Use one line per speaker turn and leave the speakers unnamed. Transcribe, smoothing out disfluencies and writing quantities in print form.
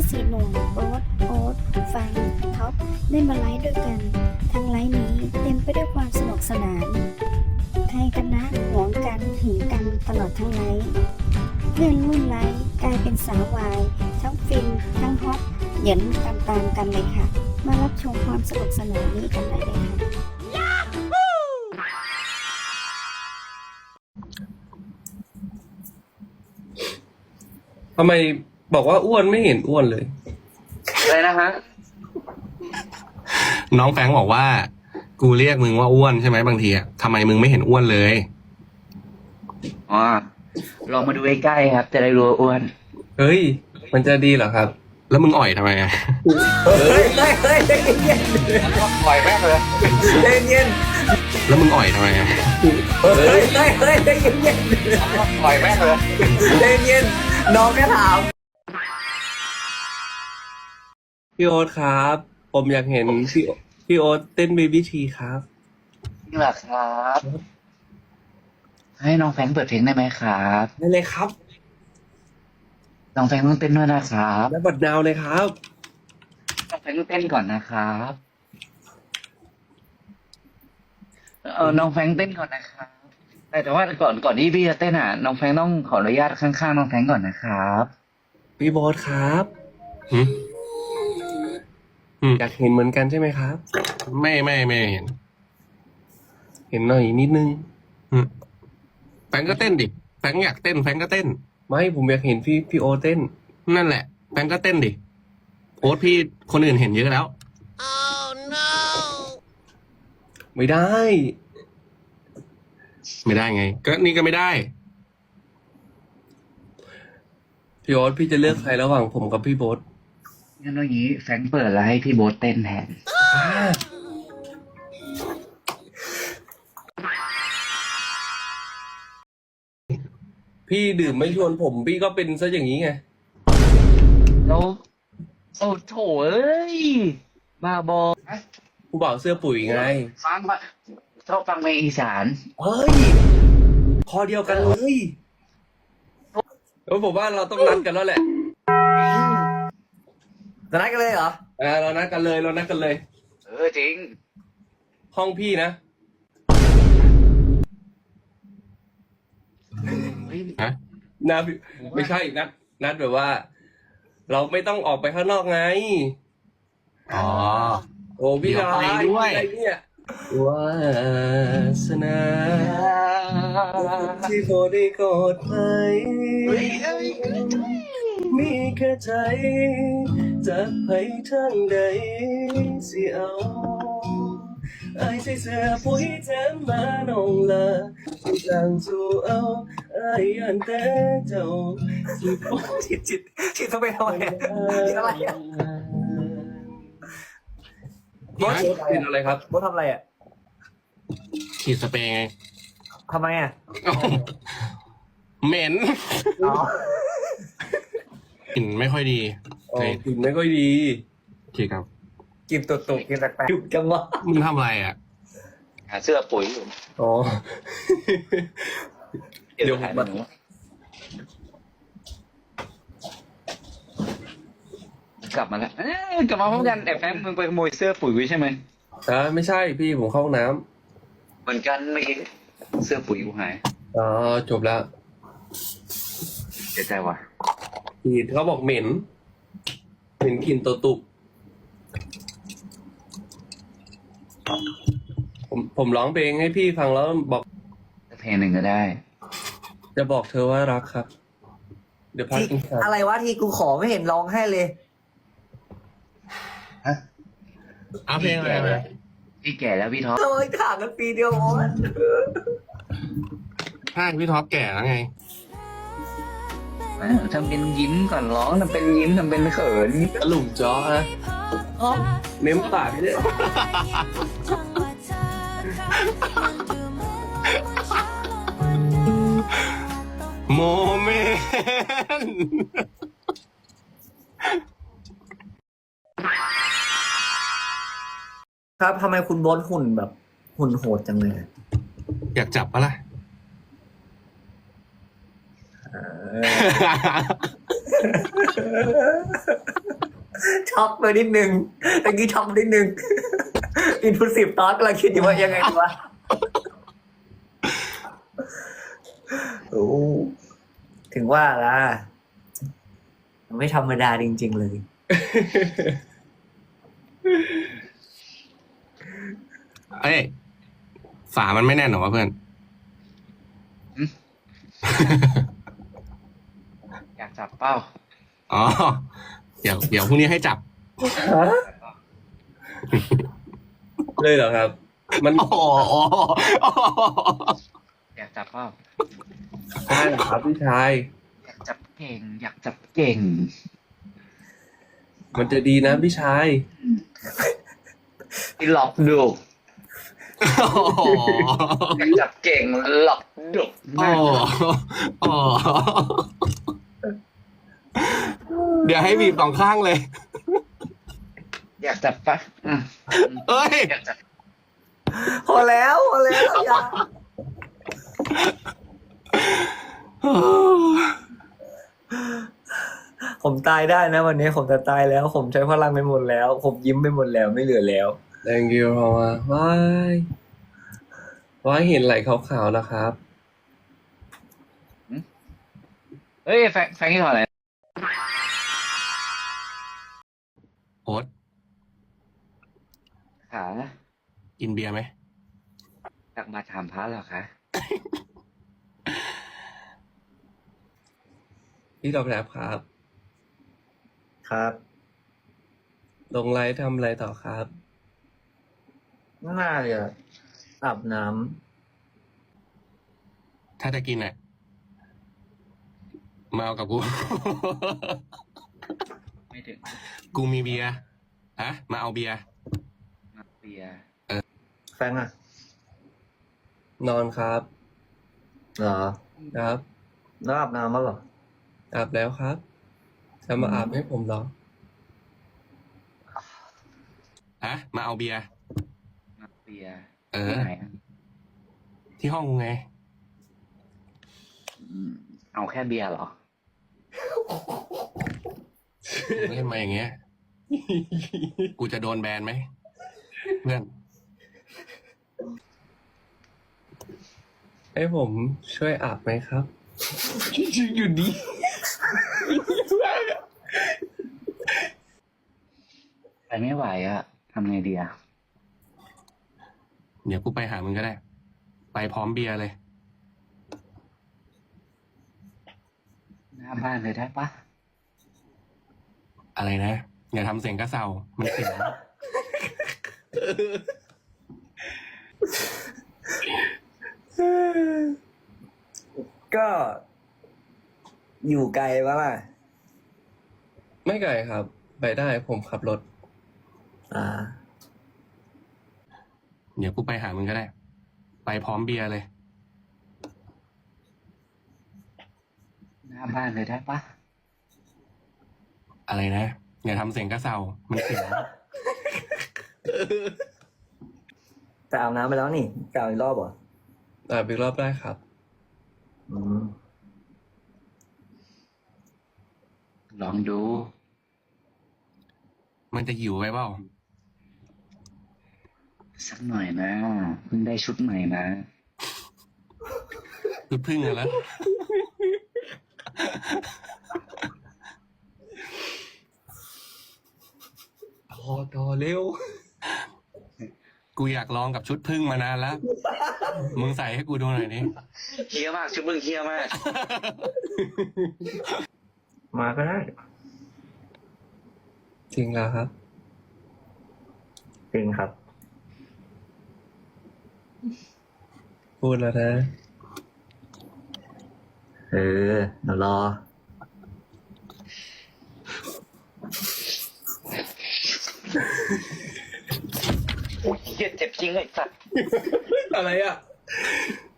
อสี่หนุ่มโอ๊ตฟังท็อปได้มาไลฟ์ด้วยกันทั้งไลฟ์นี้เต็มไปด้วยความสนุกสนานใครกันนะหวงกันหึงกันตลอดทั้งไลฟ์เพื่อนรุ่นไลฟ์กลายเป็นสาววายทั้งฟินทั้งฮอตเหยินตามกันเลยค่ะมารับชมความสนุกสนานนี้กันได้เลยค่ะ
ทำไมบอกว่าอ้วนไม่เห็นอ้วนเลย
อะไรนะฮะ
น้องแฟรงค์บอกว่า กูเรียกมึงว่าอ้วนใช่ไหมบางทีอะทำไมมึงไม่เห็นอ้วนเลย
อ๋อ ลองมาดูใกล้ๆครับ จะได้รู้ว่าอ้วน
เฮ้ย มันจะดีเหรอครับ
แล้วมึงอ่อยทำไมอะ
เฮ้ยเย็น
ปล่อยแม่งเลย
เย็น
แล้วมึงอ่อยทำไมอะ
เฮ้ยเย็น
ปล่อยแม่งเลย
เย็นน้องแค่ถาม
พี่โอ๊ตครับ ผมอยากเห็นพี่โอ๊ตเต้นเบบี้ทีครับ
นี่แหละครับ ให้น้องแฟรงค์เปิดเพลงได้ไหมครับ
ได้เลยครับ
น้องแฟรงค์ต้องเต้นด้วยนะครับ
และบัดนาวเลยครับ
น้องแฟรงค์ต้องเต้นก่อนนะครับน้องแฟรงค์เต้นก่อนนะครับแต่ว่าก่อนที่พี่จะเต้นน้องแฟรงค์ต้องขออนุญาตข้างๆน้องแฟรงค์ก่อนนะครับ
พี่โบ๊ทครับ
หึ
อยากเห็นเหมือนกันใช่ไหมครับ
ไม่เห็น
เห็นหน่อยนิดนึง
แฟรงค์ก็เต้นดิแฟรงค์อยากเต้นแฟรงค์ก็เต้น
ไม่ผมอยากเห็นพี่โอ๊ตเต้น
นั่นแหละแฟรงค์ก็เต้นดิโอ๊ตพี่คนอื่นเห็นเยอะแล้ว
ไม่ได้
ไม่ได้ไง ก็นี่ก็ไม่ได้
พี่โอ๊ตพี่จะเลือกใครระหว่างผมกับพี่โบ๊ท
งั้นอย่างนี้แฟรงค์เปิดแล้วให้พี่โบ๊ทเต้นแทน
พี่ดื่มไม่ชวนผม พี่ก็เป็นซะอย่างนี้ไง
แล้วโอ้โถเอ้ยบ้าบอ
ผู้บ่าวเสื้อปุ๋ยไง
ฟังมาชอบฟังเพลงอีสาน
เฮ้ย คอเดียวกันเลยผมว่าเราต้องนัดกันแล้วแหละ
จะนัดกันเลยเหรอ
เรานัดกันเลย
จริง
ห้องพี่นะ
ฮะ
นัดไม่ใช่นัดแบบว่า เราไม่ต้องออกไปข้างนอกไง
อ๋อ
โอ้พี่ร้าย
เดี๋ยวไปด้วย
อะไรเนี่ยวาสนาที่พอได้กอดไปมีแค่ใจจะไปทางใดสิเอาไอ้ใส่เสื้อปุ๋ยแถมมานองละที่ต่างสู่เอาไอ้ยันแต่เจ้าสิบ่
ฉีดเข้าไปทำไมอะฉีดอะไรอะ
โบ๊ทเป็นอะไรครับ
โบ๊ททำอะไรอ่ะ
ฉีดสเปรย์ไง
ทำไมอ่ะ
เหม็น
อ๋อก
ลิ่นไม่ค่อยดี
อ๋อกลิ่นไม่ค่อยดี
โอเคครับ
กินตุ่กินแปลกๆหยุดกันวะ
มึงทำอะไรอ่ะ
หาเสื้อปุ๋ยอยู่
อ๋อ
เดี๋ยวถ่ายมาหนูกลับมาแล้วกลับมาพร้อมกันแอบแฝงมึงไปขโมยเสื้อปุ๋ยไว้ใช่ไหม
ไม่ใช่พี่ผมเข้าห้องน้
เหมือนกันเมื่อกี้เสื้อปุ๋ยกูหาย
ำอ๋อจบแล้ว
เสียใจว่ะ
กลิ่นเขาบอกเหม็นกลิ่นตัวตุบผมร้องเพลงให้พี่ฟังแล้วบอก
เพลงหนึ่งก็ได้
จะบอกเธอว่ารักครับ เดี๋ยวพัก
ที่
กินข้าว
อะไรวะที่กูขอไม่เห็นร้องให้เลย
เอาเพลงอะไรมา
พี่แก่แล้วพี่ท็อป
โอ้ยถามกันปีเดียวโอ๊ต
ใช่พี่ท็อปแก่แล้วไง
ทำเป็นยิ้มก่อนร้องทำเป็นยิ้มทำเป็นเขิน
กระหลุมจ้อนะเม้มปากเนี่ย
โมเมนต์
ครับทำไมคุณโบ๊ทหุ่นแบบ หุ่นโหดจังเลย
อยากจับปะล่ะ
เออช็อกไปนิดนึงตะกี้ช็อกนิดนึง อินพุสิฟตอนกำลังคิดอยู่ว่ายังไงดีวะโอ้ถึงว่าล่ะไม่ธรรมดาจริงๆเลย
เอ้ยฝามันไม่แน่นเหรอวะเพื่อน
อยากจับเป้า
อ๋อ เดี๋ยวพรุ่งนี้ให้จับ
เลยเหรอครับ มัน
อ๋อ
อยากจับเป้า
ใช่เหรอครับพี่ชาย
อยากจับเก่ง อยากจับเก่ง
มันจะดีนะพี่ชาย
ที่หลอกดุอยากจับเก่งหลอกดุ
อ๋ออ๋อเดี๋ยวให้บีบสองข้างเลย
อยากจับปะอืม
เอ้ย
อยากจับ
พอแล้วอย่าผมตายได้นะวันนี้ผมจะตายแล้ว ผมใช้พลังไปหมดแล้ว ผมยิ้มไปหมดแล้วไม่เหลือแล้ว
thank you เพราะว่าว้ายเห็นไหลขาวๆนะครับ
เฮ้ยแฟงที่ถอดอะไร
โอ๊ต
ขา
กินเบียร์ไหม
ตักมาถามพระเหรอคะ
พี่ดอกแรบครับ
ครับ
ลงไลฟ์ทำอะไรต่อครับ
น่าจะอาบน้
ถ้าจะกินอ่ะ มาเอากับกู
ไม่ถึง
กูมีเบียร์ฮะ มาเอาเบียร์
มาเบียร์
ำแฟงอ่ะ
นอนครับ
เหรอ
ครับ
แล้วอาบน้ำมั้งเหรอ
อาบแล้วครับ จะมาอาบให้ผมเหรอ
ฮะ มาเอาเบียร์
มาเบียร์
เออ
ที่ไหนอะ
ที่ห้องกูไง
เอาแค่เบียร์เหรอ
เล่นมาอย่างเงี้ย กูจะโดนแบนไหม เพื่อน
ให้ผมช่วยอาบไหมครับ อยู่ดี
ไปไม่ไหวอะทำไงดีอะ
เดี๋ยวกูไปหามึงก็ได้ ไปพร้อมเบียร์เลย
หน้าบ้านเลยได้ปะ
อะไรนะ อย่าทำเสียงกระเซามันเสียง
ก็อยู่ไกลปะล่ะ
ไม่ไกลครับ ไปได้ผมขับรถ
อ่า
เดี๋ยวกูไปหามึงก็ได้ ไปพร้อมเบียร์เลย
หน้าบ้านเลยได้ปะ
อะไรนะ อย่าทำเสียงกระเซามันเสียง
แต่อาบน้ำไปแล้วนี่กล่าวอีกรอบเหรอ
อาบอีกรอบได้ครับ
อืม
ลองดู
มันจะหิวไว้เปล่า
สักหน่อยนะเพิ่งได้ชุดใหม่นะ
คือพึ่งอะแล้ว
ต่อเร็ว
กูอยากลองกับชุดพึ่งมานานแล้ว มึงใส่ให้กูดูหน่อยดิ
เฮี้ยมากชุดมึงเฮี้ยมาก
มาก็ได้
จริงแล้วครับ
จริงครับ
พูดแล้วนะ
เออเดี๋ยวรอ
โอ้ยเฮี้ยเจ็บจริงเลยสัตว์
อะไรอ่ะ